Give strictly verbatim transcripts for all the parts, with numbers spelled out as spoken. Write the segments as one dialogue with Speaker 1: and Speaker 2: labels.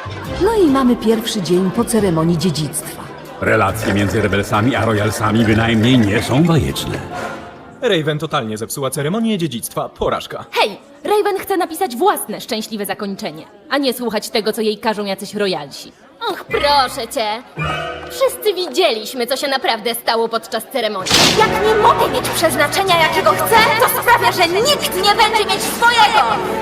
Speaker 1: No i mamy pierwszy dzień po ceremonii dziedzictwa.
Speaker 2: Relacje między Rebelsami a Royalsami bynajmniej nie są bajeczne.
Speaker 3: Raven totalnie zepsuła ceremonię dziedzictwa. Porażka.
Speaker 4: Hej! Raven chce napisać własne szczęśliwe zakończenie, a nie słuchać tego, co jej każą jacyś royalsi.
Speaker 5: Och, proszę cię. Wszyscy widzieliśmy, co się naprawdę stało podczas ceremonii.
Speaker 6: Jak nie mogę mieć przeznaczenia, jakiego chcę, to sprawia, że nikt nie będzie mieć swojego!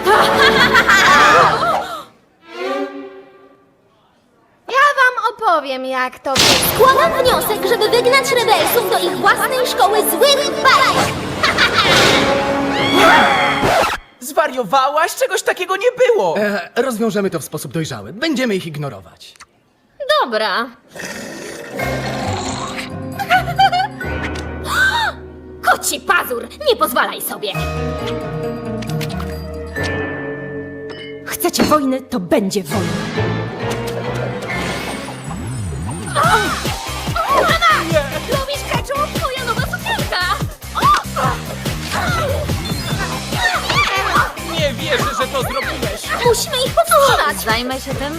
Speaker 5: Ja wam opowiem, jak to było. Składam wniosek, żeby wygnać rebelsów do ich własnej szkoły złych bajek.
Speaker 7: Zwariowałaś? Czegoś takiego nie było!
Speaker 8: E, rozwiążemy to w sposób dojrzały. Będziemy ich ignorować.
Speaker 5: Dobra. Koci pazur, nie pozwalaj sobie.
Speaker 4: Chcecie wojny, to będzie wojna.
Speaker 5: Lubisz ketchup? Moja nowa sukienka.
Speaker 7: Nie wierzę, że to zrobiłeś!
Speaker 5: Musimy ich powstrzymać.
Speaker 6: Zajmę się tym.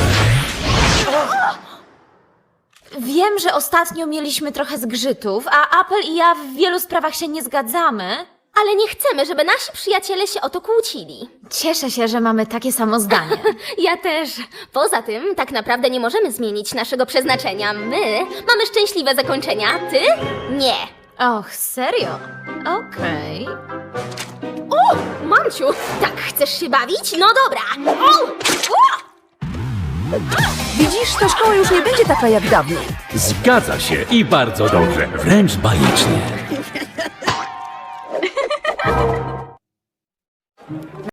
Speaker 6: Wiem, że ostatnio mieliśmy trochę zgrzytów, a Apple i ja w wielu sprawach się nie zgadzamy.
Speaker 5: Ale nie chcemy, żeby nasi przyjaciele się o to kłócili.
Speaker 6: Cieszę się, że mamy takie samo zdanie.
Speaker 5: Ja też. Poza tym, tak naprawdę nie możemy zmienić naszego przeznaczenia. My mamy szczęśliwe zakończenia, ty nie.
Speaker 6: Och, serio? Okej.
Speaker 5: O, mamciu, tak chcesz się bawić? No dobra. O! O!
Speaker 1: Widzisz, ta szkoła już nie będzie taka jak dawniej.
Speaker 2: Zgadza się i bardzo dobrze, wręcz bajecznie.